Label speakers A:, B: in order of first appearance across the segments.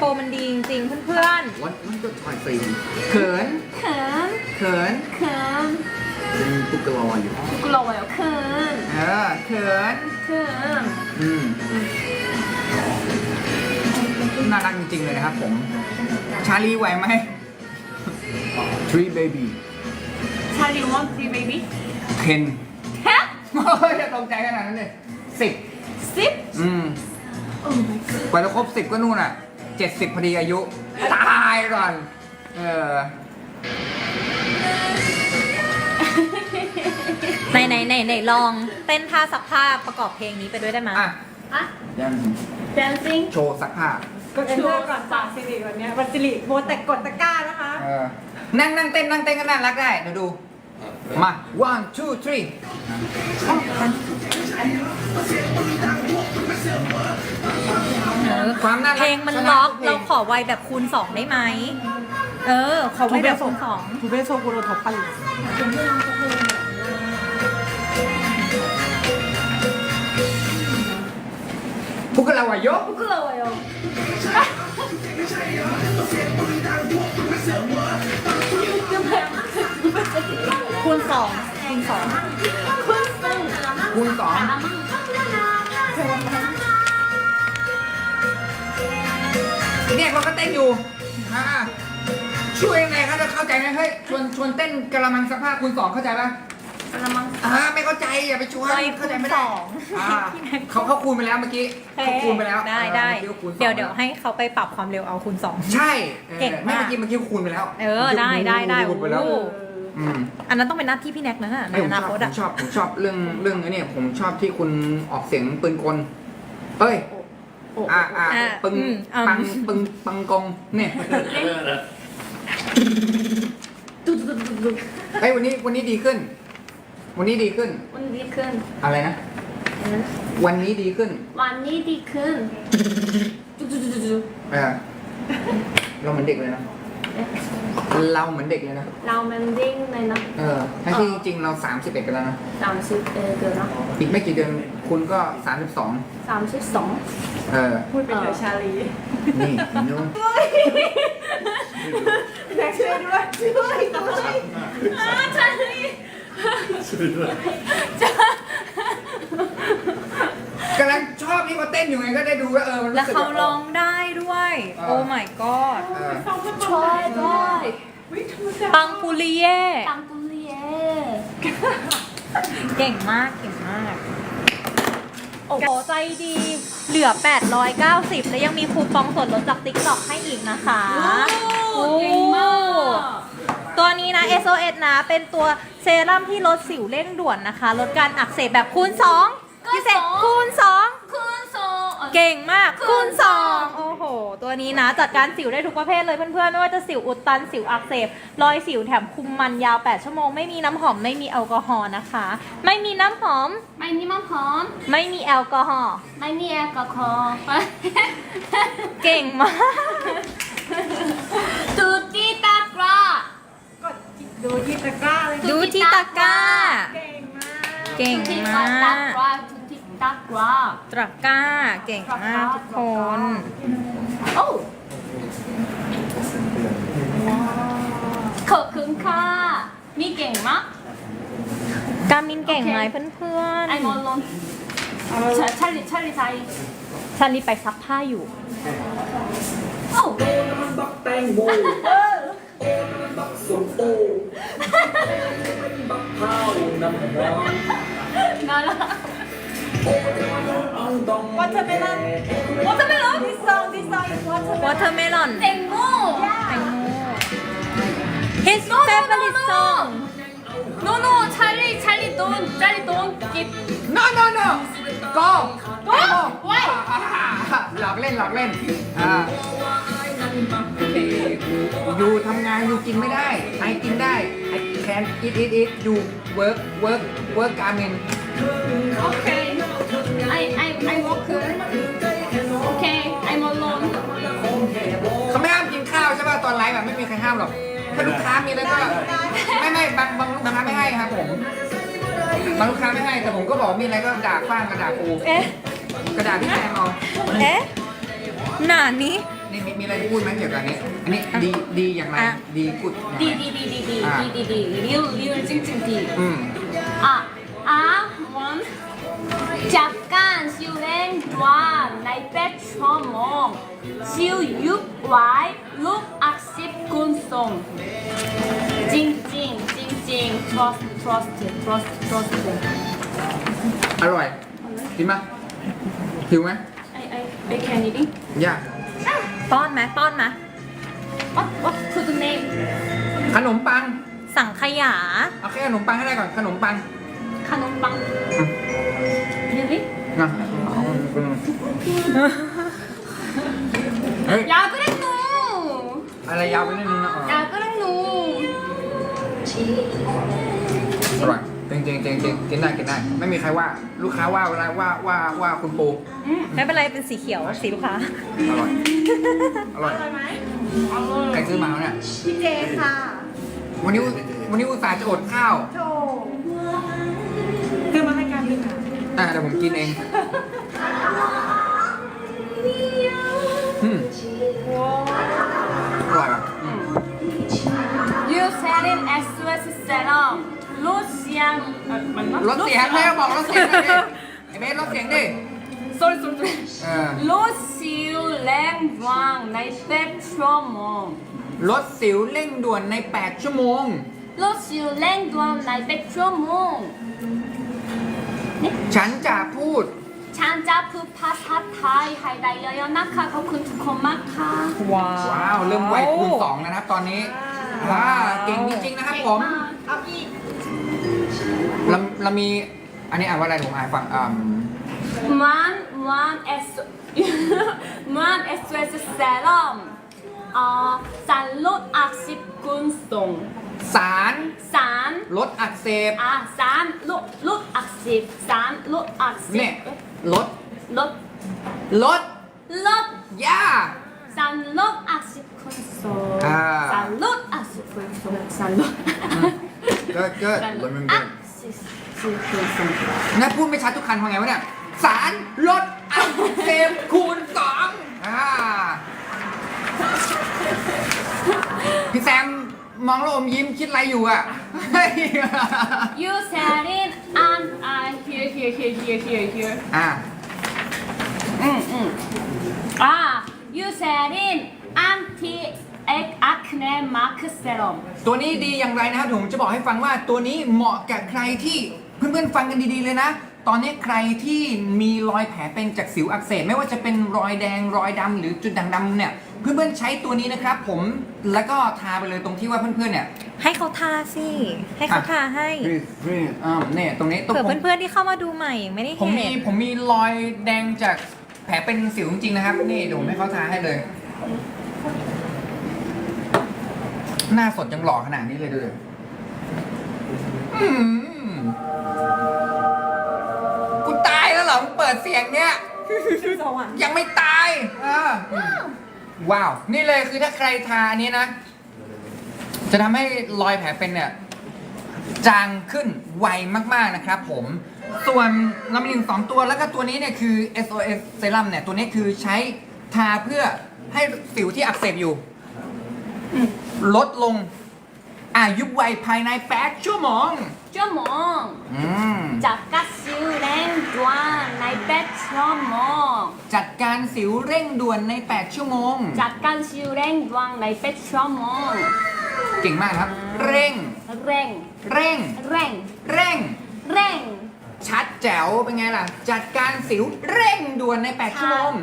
A: ว์มันดีจริงๆเพื่อน
B: วันก็ถ่ายซีนเขิน
C: เขิน
B: เขิน
C: เขิน
B: เป็นตุ๊กตาอยู่
C: กลัวอยู่เขิน
B: เขิน
C: เขิน
B: น่ารักจริงๆเลยนะครับผม ชาลีไหวไหม Three baby
C: ชาลีวอนทรีเบบี้
B: เคน
C: แฮป
B: จะตรงใจขนาดนั้นเลย10
C: สิบ โอ้ my god
B: กว่าจะครบ10ก็นู่นอ่ะ70พอดีอายุ ตายก่อน
A: ๆไหนลองเต้นท่าซักผ้าประกอบเพลงนี้ไปด้วยได้ไหม
B: อ่ะ
C: อะ
B: ยัง
C: dancing
B: โชว์ซักผ้า
D: ก็เอ็นเตอร์ก่อนฝากสิริวันเนี้ยวันสิริโมแต่กดตะกร้านะคะ
B: นั่งเต้นก็น่ารักได้เดี๋ยวดู มา one two three ความน่ารัก
A: เพลงมันล็อกเราขอไวแบบคูณ 2 ได้ไหมขอไวแบบคูณ 2
D: 두 배속으로 더 빨리.
B: พวกเราอะยก
C: 부끄러워요
A: คูณ 2 คูณ 2
B: คูณสองเนี่ยเราก็เต้นอยู่ช่วยยังไงครับจะเข้าใจไหมเฮ้ยชวนเต้นกระมังซักผ้าคูณ 2เข้าใจปะ
C: กระมัง
B: ไม่เข้าใจอย่าไปชวน
A: ไป
B: เข้าใจ
A: คูณ
B: ไม่ได้
A: 2
B: เขาคูณไปแล้วเมื่อกี้เขาคูณไปแล้ว
A: ได้
B: เมื่อกี้คูณสอง
A: เดี๋ยวให้เขาไปปรับความเร็วเอาคูณ 2
B: ใช่
A: เก่งมาก
B: เมื่อกี้คูณไปแล้ว
A: ได้
B: คูณไปแล้ว
A: โอ้
B: อืม
A: อันนั้นต้องเป็นหน้าที่พี่แน็กนะใน
B: ไม่ผม
A: อนาคต
B: ผมชอบเรื่องไอ้เนี่ยผมชอบที่คุณออกเสียงปืนกลเอ้ยปึงปังกงเนี่ยเอ้ยวันนี้ดีขึ้น วันนี้ดีขึ้น
C: วันนี้ดีขึ้น
B: อะไรนะ วันนี้ดีขึ้น
C: วันนี้ดีขึ้นจุ๊จุ๊
B: เราเหมือนเด็กเลยนะเราเหมือนเด็กเลยนะ
C: เรามันดิ้งเลยนะ
B: ทั้งที่จริงๆเรา31กันแล้วนะ
C: 30เดือนนะ
B: อีกไม่กี่เดือนคุณก็32
C: 32
D: พูดเป็นเถอะชาลี
B: นี่นู้น
D: แน็กช่วยด้วยช่วย
C: ชาลี
B: กำลังชอบที่เขาเต้นอยู่ไงก็ได้ดูว่ามัน
A: แล้ว
B: รู้สึก
A: เขาร้องได้ด้วย โอ้ my god
C: ช่วยด้วย
A: ปังปุริเย่
C: ตังตุเลีย
A: เก่งมาก โอ้โหใจดี เหลือ 890 แล้วยังมีคูปองส่วนลดจาก TikTok ให้อีกนะคะ
C: เก่งมาก
A: ตัวนี้นะ SOS นะ เป็นตัวเซรั่มที่ลดสิวเร่งด่วนนะคะ ลดการอักเสบแบบคูณ 2 พิเศษคูณ 2
C: คุณโซ
A: เก่งมากคูณ 2 โอ้โห ตัวนี้นะ จัดการสิวได้ทุกประเภทเลยเพื่อนๆ ไม่ว่าจะสิวอุดตัน สิวอักเสบ รอยสิวแถมคุมมันยาว 8 ชั่วโมง ไม่มีน้ำหอม ไม่มีแอลกอฮอล์นะคะ ไม่มีน้ำหอม
C: ไม่มีมันพร้อม
A: ไม่มีแอลกอฮอล์
C: ไม่มีแอลกอฮอล์
A: เก่งมาก
C: ตูตีตากร้าก
D: ดดูที่ตะกร้าเลย
A: ดูที่ตะกร้า
D: เก่งมาก
A: เก่ง
C: ตูตี
A: มา
C: ตาก กร้าตูตีตากร้า
A: ตะกร้า เก่งมากทุกคน
C: โอ้ขอบคุณค่ะมีเก่งมาก
A: กามินเก่งไหมเพื่อน
C: ไอมอนลอนชาลีไทย
A: ๆฉันรีบไปซักผ้าอยู่
C: โอ้
E: บักแตงโมบักส้มโอบักเผาน้ำร้อน
C: น่ารัก
E: ต้อง
D: Watermelon
C: Watermelon
D: This song is watermelon
A: watermelon
C: แตงโม
A: แตงโม his favorite song
C: no no ชาลีโดนกิน
B: no go
C: โอ้ไว้
B: หลอกเล่นอยู่ทำงานอยู่กินไม่ได้ไอกินได้ I can eat you work การเมน
C: โอเค I work okay I'm alone
B: เขาไม่ห้ามกินข้าวใช่ป่ะตอนไลฟ์แบบไม่มีใครห้ามหรอกถ้าลูกค้ามีแล้วก็ไม่บางลูกค้าไม่ให้ครับผมบางลูกค้าไม่ให้แต่ผมก็บอกมีอะไรก็ด่าฟ้างกระดาษกู
A: เอ๊ะ
B: กระดาษพี่แจมเอา
A: เอ๊ะหนานี้
B: นี่มีอะไรจะพูดไหมเกี่ยวกับอันนี้ดีอย่างไร
A: อ่ะ
B: ดีกุด
C: ดีจริงดี
B: อืม
C: วันจากการชิวเล่นดวงใน8 ชั่วโมงชิวยุบไว้ลูกอักเสบคุณส่งจริงtrust
B: อร่อยกินไหมหิวไหม
C: I can eating
B: ยาก
A: ป้อนไหมป้อนไหม
C: what food name
B: ขนมปัง
A: สั่งขยา
B: เอาแค่ขนมปังให้ได้ก่อนขนมปัง
C: ขนมปัง really
B: นะเฮ้ย
C: 야 그래 너
B: อะไรยาวไปนิดนึงนะ
C: 야 그래 너
B: อร่อยจริงกินได้ไม่มีใครว่าลูกค้าว่าเวลาว่าคุณปู
A: ไม่เป็นไรเป็นสีเขียวสีลูกค้า
B: อร่อยใครซื้อมาเนี่ย
D: พี่เจค่ะ
B: วันนี้อุตส่าห์จะอดข้าว
D: โถคือมาให้การบินค่ะ
B: เดี๋ยวผมกินเองอืมอร่อยป่ะ
C: You selling SOS serum ลดเสียงมัน
B: ลดเสียงแม่บอกลดเสียงดิไอ้เบสลดเสียงดิ
C: sorry ลดสิวแรงวางใน8 ชั่วโมง
B: ลดสิวเร่งด่วนใน8 ชั่วโมง
C: ลดสิวแรงดวงใน8 ชั่วโมง
B: ฉันจะพูด
C: ฉันจะพูดภาษาไทยให้ได้เยอะๆนะคะขอบคุณทุกคนมากค่ะ
A: ว้าว
B: ว้าวเริ่มไวคูณ2แล้วนะครับตอนนี้เก่งจริงๆนะครับผม
D: เอาอีก
B: เรามีอันนี้อ่านว่าอะไรผมอ่านฟัง
C: มัน SOS serum สารลดอักเสบคุณส่ง
B: สาร
C: สาร
B: ลดอักเสบ
C: สารลดอักเสบสารลดอักเส
B: เนี่ย
C: บ
B: ลด
C: ลด
B: ย่า
C: สารลดอักเสบคุณส่ง สารลดอักเสบคุณส่งสารลด
B: เกิด
C: สารลดอักเสบคุณส่ง
B: นะพูดไม่ชัดทุกคันทำไงวะเนี่ยสารลดอักเสบคูณ2พี่แซมมองแล้วอมยิ้มคิดอะไรอยู่อ่ะ
C: You said it and I here you said it anti acne mark serum
B: ตัวนี้ดีอย่างไรนะครับผมจะบอกให้ฟังว่าตัวนี้เหมาะกับใครที่เพื่อนๆฟังกันดีๆเลยนะ ตอนนี้ใครที่มีรอยแผลเป็นจากสิวอักเสบไม่ว่าจะเป็นรอยแดงรอยดำหรือจุดด่างดำเนี่ยเพื่อนๆใช้ตัวนี้นะครับผมแล้วก็ทาไปเลยตรงที่ว่าเพื่อนๆเนี่ย
A: ให้เขาทาสิ ให้เขาทาให้
B: เนี่ยตรงนี้
A: เผื่อเพื่อนๆที่เข้ามาดูใหม่ไม่ได้
B: ผม
A: เห็น
B: ผมมีรอยแดงจากแผลเป็นสิวจริงๆนะครับนี่เดี๋ยวผมให้เขาทาให้เลย หน้าสดยังหล่อขนาดนี้เลยดูดิกูตายแล้วเหรอมึงเปิดเสียงเนี้ย
D: สวรรค์
B: ยังไม่ตายว้าว นี่เลยคือถ้าใครทาอันนี้นะ จะทำให้รอยแผลเป็นเนี่ย จางขึ้นไวมากๆนะครับผม ส่วนลำลิง2ตัวแล้วก็ตัวนี้เนี่ยคือ SOS Serum เนี่ย ตัวนี้คือใช้ทาเพื่อให้สิวที่อักเสบอยู่ ลดลงยุบไวภายใน8 ชั่วโมง
C: ชั่วโมงจากกัดสิวแรงดวงใน8 ชั่วโมง
B: จัดการสิวเร่งด่วนใน8 ชั่วโมง
C: จากการสิวแรงดวงใน8 ชั่วโมง
B: เก่งมากครับ เร่ง
C: เร่ง
B: เร่ง
C: เร่ง
B: เร่ง
C: เร่ง
B: ชัดแจ๋วเป็นไงล่ะ จัดการสิวเร่งด่วนใน8 ชั่วโมง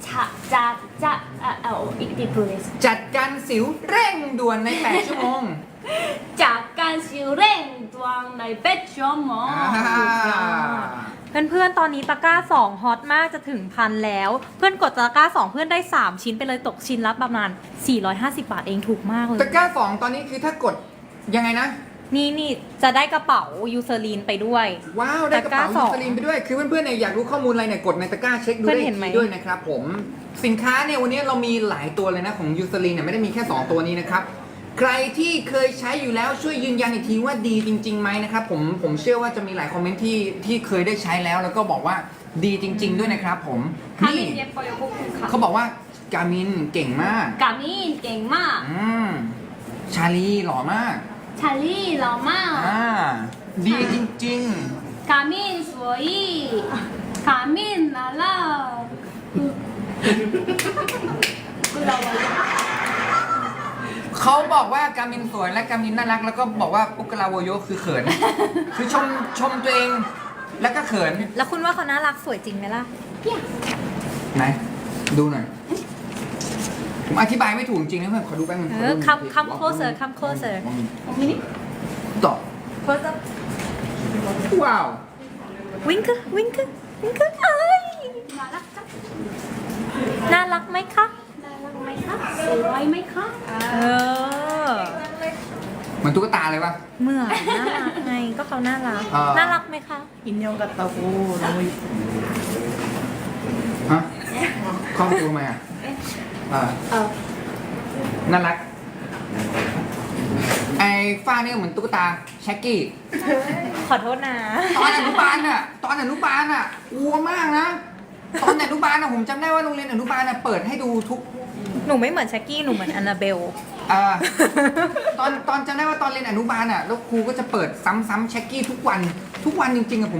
C: อีกที please
B: จัดการสิวเร่งด่วนใน8 ชั่วโมง
C: จากการสิวเร่งดวงใน8 ชั่วโมง
A: เพื่อนๆตอนนี้ตะกร้า2ฮอตมากจะถึงพันแล้ว เพื่อนกดตะกร้า2เพื่อนได้3ชิ้นไปเลยตกชิ้นละประมาณ450 บาทเองถูกมากเลย
B: ตะกร้า2ตอนนี้คือถ้ากดยังไงนะ
A: นี่จะได้กระเป๋ายูเซอรีนไปด้วย
B: ว้าว ได้กระเป๋า
A: ตะกร้า
B: ยูสลินไปด้วย คือเพื่อนๆเนี่ยอยากรู้ข้อมูลอะไรเนี่ยกดในตะกร้าเช็คดู
A: เพื่อน
B: ได้
A: เห็นไหม
B: ทีด้วยนะครับผมสินค้าเนี่ยวันนี้เรามีหลายตัวเลยนะของยูสลินเนี่ยไม่ได้มีแค่ 2 ตัวนี้นะครับใครที่เคยใช้อยู่แล้วช่วยยืนยันอีกทีว่าดีจริงๆไหมนะครับผมเชื่อว่าจะมีหลายคอมเมนต์ที่เคยได้ใช้แล้วก็บอกว่าดีจริง ๆด้วยนะครับผมนี่
C: เย็บปอยกุ๊กค่ะ
B: เขาบอกว่ากามินเก่งมาก
C: กามินเก่งมาก
B: ชาลีหล่อมาก
C: ชาลีหล่อมาก
B: ดีจริง
C: กามินสวยกามินน่ารักคุณเรา
B: ๆ เขาบอกว่ากามินสวยและกามินน่ารัก แล้วก็บอกว่าปุกกะลาโวโยคือเขิน คือชมตัวเองแล้วก็เขิน
A: แล้วคุณว่าเขาน่ารักสวยจริงไหมล่ะ
B: ไหน ดูหน่อย ผมอธิบายไม่ถูกจริงนะเพื่อนขอดูแป๊บนึง
A: come closer come closer
B: ต่อ
A: close up
B: ว้าว
A: wink wink wink เอ้ย
C: น่ารักจัง
A: น่ารักไหมคะ
C: น่ารักไหมคะสวยไหมคะ
A: เออ
B: เหมือนตุ๊กตาเลยปะ
A: เหมือนน่ารักไงก็เขาน่ารัก น่ารักไหมคะ
D: 인형 같다고 너무 이뻐.
B: ฮะคล้องตัวทำไมอ่ะน่ารัก ไอ้ฝ้านี่เหมือนตุ๊กตาแช็กกี้
A: ขอโทษนะ
B: ตอนอนุบาลอ่ะกลัวมากนะ ตอนอนุบาลอ่ะผมจำได้ว่าโรงเรียนอนุบาลอ่ะเปิดให้ดูทุก
A: หนูไม่เหมือนแช็กกี้ หนูเหมือนแอนนาเบล
B: ตอนจำได้ว่าตอนเรียนอนุบาลอ่ะแล้วครูก็จะเปิดซ้ำๆแช็กกี้ทุกวันจริงๆอะผม